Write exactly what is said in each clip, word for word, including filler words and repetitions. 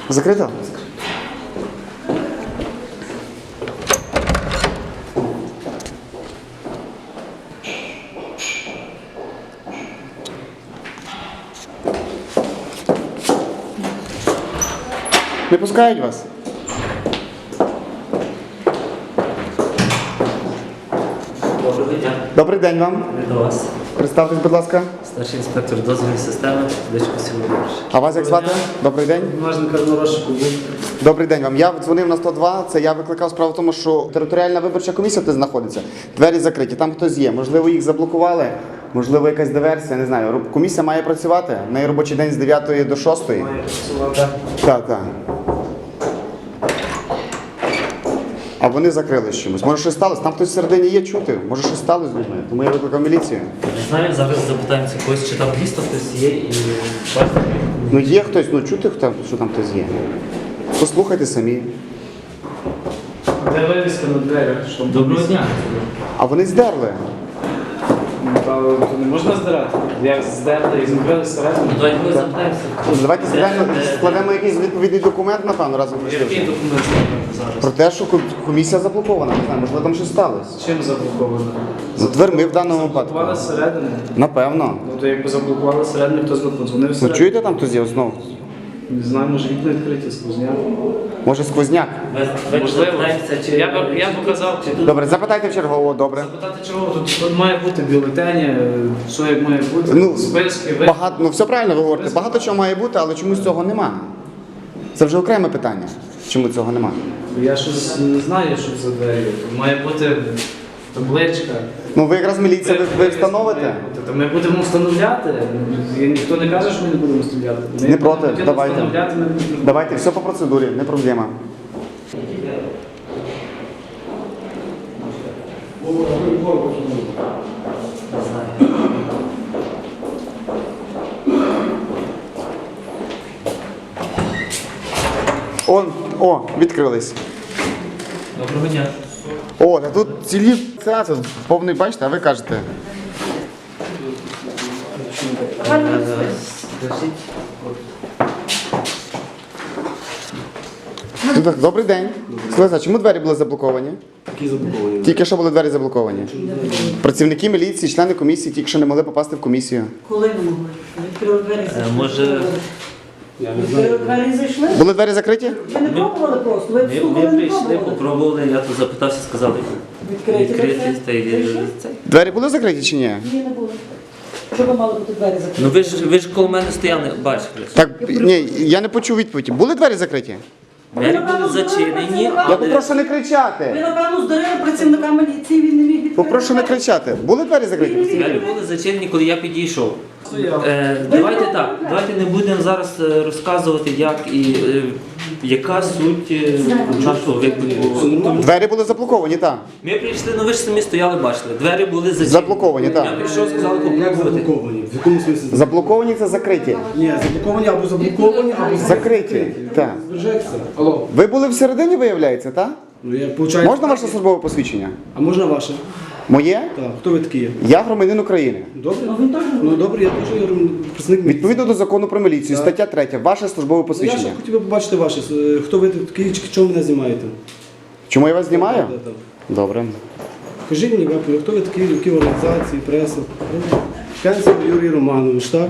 Закрито? Не пускають вас? Доброго дня. Добрий день вам. Ми до вас. Представтесь, будь ласка. Старший інспектор дозвільної системи Дичко Сілович. А вас як звати? Добрий день. Можна розшуку був. Добрий день вам. Я дзвонив на сто два, це я викликав справу в тому, що територіальна виборча комісія тут знаходиться. Двері закриті, там хтось є. Можливо, їх заблокували, можливо, якась диверсія, не знаю. Роб- Комісія має працювати. В неї робочий день з дев'ятої до шостої. Має працювати. Так, так. А вони закрили чимось. Може, щось сталося? Там хтось всередині є чути. Може, щось сталося з людьми. Тому я викликав міліцію. Не знаю, зараз запитаємося когось, чи там дійсно хтось є і бачите. Ну є хтось, ну чути, хто- що там хтось є. Послухайте самі. Де вивіска на дверях? Що Доброго дня. А вони здерли. Та, то не можна здирати. Як здерли і закрили всередину. Ну, давайте ми запитаємося. Давайте складемо, складемо якийсь відповідний документ, напевно, разом Який прийшли. документ складати Про зараз? те, що ком- комісія заблокована. Не знаю, можливо, там щось сталося. Чим заблоковано? За дверми в даному випадку. Заблокували зсередини. Напевно. Ну то якби заблокували зсередини, хтось би подзвонив Ну всередину. чуєте, там хтось є знову? Не знаю, може вікна відкриті, сквозняк. Може, сквозняк? Ми- Давайте Можливо. запитаємося, чи Я б я б показав. чи тут Добре, запитайте в чергового, добре. Запитати чого? Тут, тут має бути бюлетені, е, що як має бути, Ну, списки, ви. Багато, ну все правильно ви говорите, багато чого має бути, але чомусь цього нема. Це вже окреме питання, чому цього нема. Я щось не знаю, що за двері. Тут має бути табличка. Ну ви якраз міліція, ви, ви встановите? Має бути. То ми будемо встановляти. І ніхто не каже, що ми не будемо встановляти. Ми Не проти, будемо давайте. встановляти, ми будемо. Давайте, все по процедурі, не проблема. не знаю. О, о, відкрились. Доброго дня. О, та тут цілі це, це повний, бачите, а ви кажете. Е, Скажіть, Ну, так, добрий день. Слухайте, а чому двері були заблоковані? Які заблоковані? Тільки що були двері заблоковані. Працівники міліції, члени комісії, тільки що не могли попасти в комісію. Коли не могли? Відкрили двері і е, зайшли. може, Я не Відкрили знаю. двері і зайшли? Були двері закриті? Ви не пробували просто? Ви ми, слухали, ми не прийшли, пробували? попробували, я тут запитався, сказали, Відкриті відкрити двері. та й Зайшли? цей. Двері були закриті чи ні? Ні, не було. Що ви мали бути двері закриті? Ну ви ж ви ж коло мене стояли, бачили. Так, ні, я не почув відповіді. Були двері закриті? Двері були зачинені, Я але попрошу не Ви, кричати. напевно, здарили працівника міліції, він не міг відкрити. Попрошу не кричати. Були двері закриті? двері були зачинені, коли я підійшов. Е, давайте так, давайте не будемо зараз е, розказувати, як і е, яка суть е, нашого виклику. Двері були заблоковані, так. Ми прийшли, ну ви ж самі стояли, бачили. Двері були зачинені. Заблоковані, так. Я прийшов, сказали, Як попробувати. заблоковані? В якому смислі? Заблоковані це закриті. Ні, заблоковані або заблоковані, або Закриті, так. збережеться. Алло. Ви були всередині, виявляється, так? Ну я получаю. Можна ваше службове посвідчення? А можна ваше? Моє? Так. Хто ви такі є? Я громадянин України. Добре? Ну, він теж Ну добре, я теж є представник. Відповідно до закону про міліцію, Так. стаття третя, ваше службове Ну, я ще посвідчення. хотів би побачити ваше. Е, Хто ви такі, чи чому мене знімаєте? Чому я вас знімаю? Так, так. Добре. Кажіть мені, Вапо, хто ви такі, які організації, преса? Пенсів Юрій Романович, так?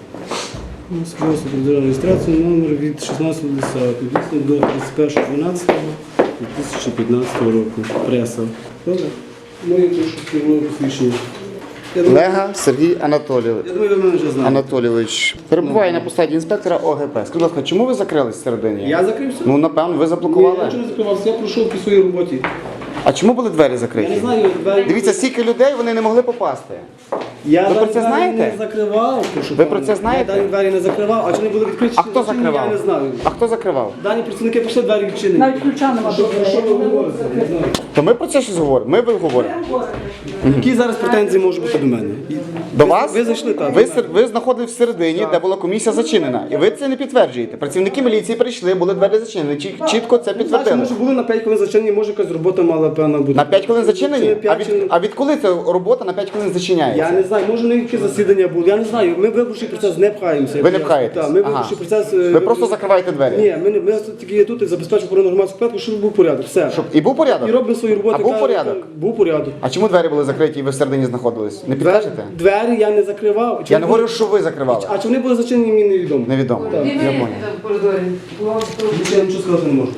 Ну, Сподіваюся, про реєстрацію номер від шістнадцятого десятого, дійсно до тридцять першого дванадцятого дві тисячі п'ятнадцятого року. Преса. Добре? Моє теж службове посвідчення. Я думаю, Лега Сергій Анатолійович. я думаю, ви мене вже знаєте. Анатолійович перебуває на посаді інспектора О Г П. Скажіть, будь ласка, чому ви закрились всередині? Я закрився? Ну, напевно, ви Ні, я заблокували. нічого не закривався, я пройшов по своїй роботі. А чому були двері Я не закриті? знаю, двері... Дивіться, стільки людей, вони не могли попасти. Я Ви про дані це двері знаєте? не закривав. прошу Ви пана. про це знаєте? Я дані двері не закривав, а чи не були відкриті? А чи хто не зачинені, закривав? Я не знаю. А хто закривав? Дані працівники прийшли, двері відчинені. навіть ключа нема Що, до про що ви дверей. говорите? Не знаю. То ми про це щось говоримо. Ми ви говоримо. Які зараз претензії можуть бути до мене? І До вас? Ви зайшли, так. Ви, сер- ви знаходились всередині, де була комісія зачинена. І ви це не підтверджуєте. Працівники міліції прийшли, були двері зачинені. Чі- Чітко це Значить, підтвердили. може були на п'ять хвилин зачинені, може якась робота мала, певна бути. На п'ять хвилин зачинені? Чи А п'ять, від, чи- а від коли ця робота на п'ять хвилин зачиняється? Я не знаю, може не які засідання були, я не знаю. Ми виборчий процес не пхаємося. Ви не пхаєтесь? Так, ми Ага. виборчий процес... е, Ви просто закриваєте двері? Ні, ми, не- ми тільки є тут і забезпечуємо охорону громадського порядку, щоб був порядок. Все. Щоб і був порядок? І робимо свою роботу. А був яка- порядок? Був порядок. А чому двері були закриті і ви всередині знаходились? Не Двері, підкажете? двері я не закривав. Чи Я не вони говорю, що ви закривали. були- А чи вони були зачинені, мені невідомо. Невідомо. Я понял. Більше я нічого сказати не можу.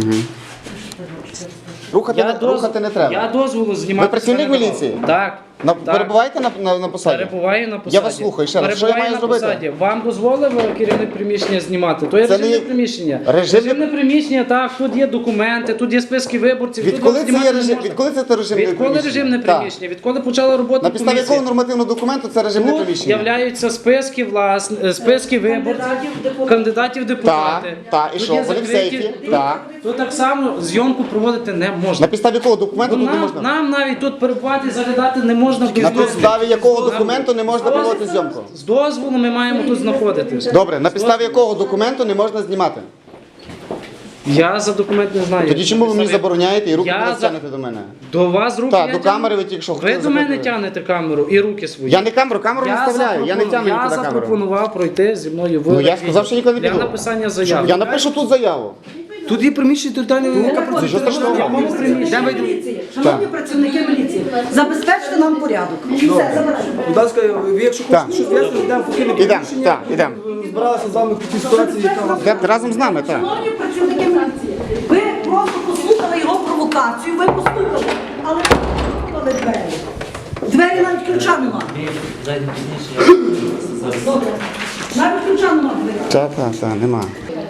Рухати, Я не, доз- рухати не треба. Я дозволу знімати. Ви працівник не давав. міліції? Так. На, так. перебуваєте на, на, на посаді? Перебуваю на посаді. Я вас слухаю, ще раз. Що я Перебуваю маю на зробити? посаді. Вам дозволив керівник приміщення знімати? То є Це режимне не- приміщення. Режимне- Режимне приміщення, так, тут є документи, тут є списки виборців. тут Відколи вам це знімати є не режим? можна. Відколи це те режимне Відколи приміщення? режимне Так. приміщення? Відколи почала робота На підставі комісія? якого нормативного документу це режимне Тут приміщення? являються списки власне, е, списки виборців, Кандидатів в депутати. кандидатів в депутати. Так, так, і Тут що, є вони в закриті- сейфі? Тут, Так. тут так само зйомку проводити не На можна. підставі якого документу Бо тут не нам, можна? нам навіть тут перебувати, заглядати не можна без На дозволу. підставі якого документу не можна проводити зйомку? З дозволу ми маємо тут знаходитися. Добре, на підставі якого документу не можна знімати? Я за документ не знаю. Тоді чому ви мені забороняєте і руки Я не за- тягнете до мене? До вас руки Так, я до тягну. камери ви тільки що Ви хотіли до мене закрити. тягнете камеру і руки свої. Я не камеру, камеру не вставляю, я не запропону- тягну Я нікуди камеру. запропонував пройти зі мною в Ну, я сказав, що ніколи не для піду. написання заяви. Я напишу тут заяву. Тут є приміщення територіальної Це що страшного? Шановні міліції, шановні працівники міліції, забезпечте нам порядок. І все, забирайте. Будь ласка, ви якщо Так. хочете щось вияснити, йдемо в покинне Ідемо, приміщення. так, ідемо. Збиралися з вами в тій ситуації, яка у вас. Йдете разом з нами, так. Шановні працівники міліції, ви просто послухали його провокацію, ви послухали, але ви послухали двері. Двері навіть ключа нема. Зайдемо пізніше, я зараз. Добре. Навіть ключа нема в дверях. Так, так, так, нема.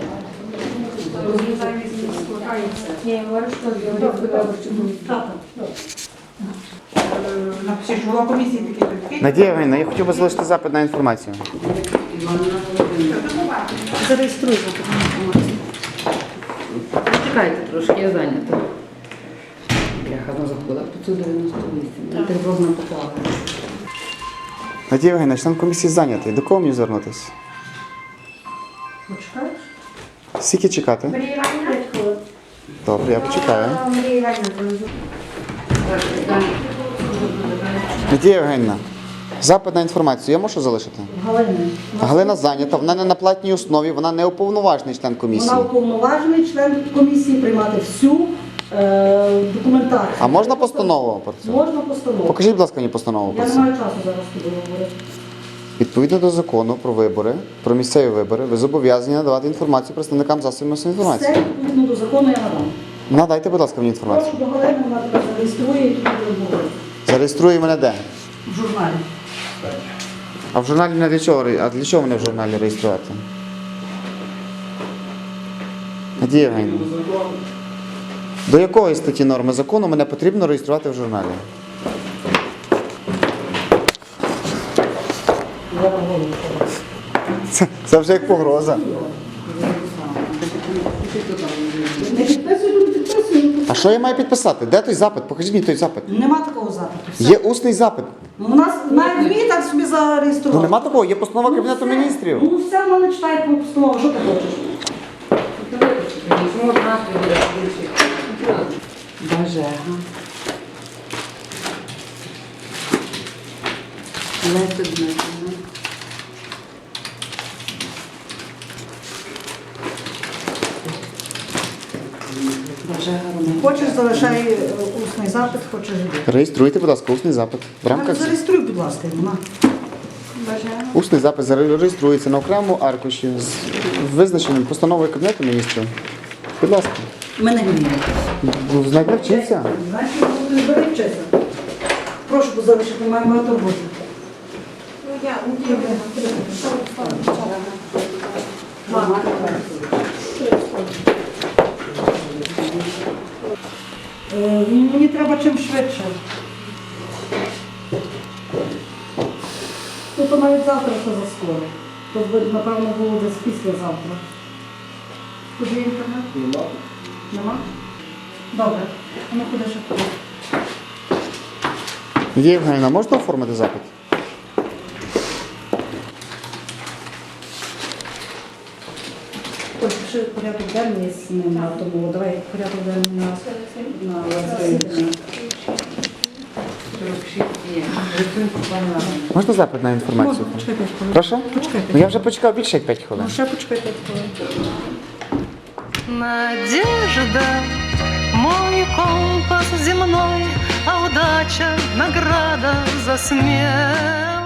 Так, так. Напишіть, що голова комісії такий такий. Надія Євгенівна, я хотів би залишити запит на інформацію. Зареєструйте. Чекайте трошки, я зайнята. Бляха, ну заходила п'ятсот дев'яносто вісім. Тривожна попала. Надія Євгенівна, член комісії зайнятий. До кого мені звернутися? Почекаєш? Скільки чекати? Добре, я почекаю. Надія Євгенівна, запит на інформацію я можу залишити? Галина. Галина зайнята, вона не на платній основі, вона не уповноважений член комісії. Вона уповноважений член комісії приймати всю е, документацію. А можна постанову про це? Можна постанову. Покажіть, будь ласка, мені постанову про Я не це. маю часу зараз тобі говорити. Відповідно до закону про вибори, про місцеві вибори, ви зобов'язані надавати інформацію представникам засобів масової інформації. Все відповідно до закону я надам. Надайте, будь ласка, мені інформацію. Прошу до Галини, вона тебе зареєструє і тоді будемо говорити. Зареєструє мене де? В журналі. А в журналі не для чого? ре- А для чого мене в журналі реєструвати? Надія Євгенівна, до якої статті норми закону мене потрібно реєструвати в журналі? Це, це вже як погроза. Не підписуй, не підписуй. А що я маю підписати? Де той запит? Покажіть мені той запит. Нема такого запиту. Все. Є усний запит. У нас навіть вміє так собі зареєструвати. Ну нема такого, є постанова Кабінету все. міністрів. Ну все, вона не читає по постанову, що ти хочеш? Бажега. Леся Дмитрівна. Бажега Роман. Хочеш, залишай е, усний запит, хочеш іди. Реєструйте, будь ласка, усний запит. В рамках Зареєструй, будь ласка, вона. Бажега. усний запит зареєструється на окремому аркуші з визначеним постановою Кабінету міністрів. Будь ласка. Мене не вміє. Ну, Знать навчіться. Значить, ти не бери вчися. Прошу, бо залишити, маю багато роботи. Е, Мені треба чим швидше. Ну, то навіть завтра це заскоро. То, би, напевно, було десь післязавтра. Куди інтернет? Нема. Нема? Добре. А ну куди ще куди? Надія Євгенівна, можна оформити запит? Ось ще порядок денний з ним на тому. Давай порядок денний на, на інтернет. сорок шість є. Рисунку пане Іване. Можна запит на інформацію? Можна, почекайте, хвилин. Прошу? Почекайте. Ну я вже почекав більше як п'ять хвилин. Ну, ще почекайте хвилин. Надежда, мой компас земной, а удача — награда за смелость.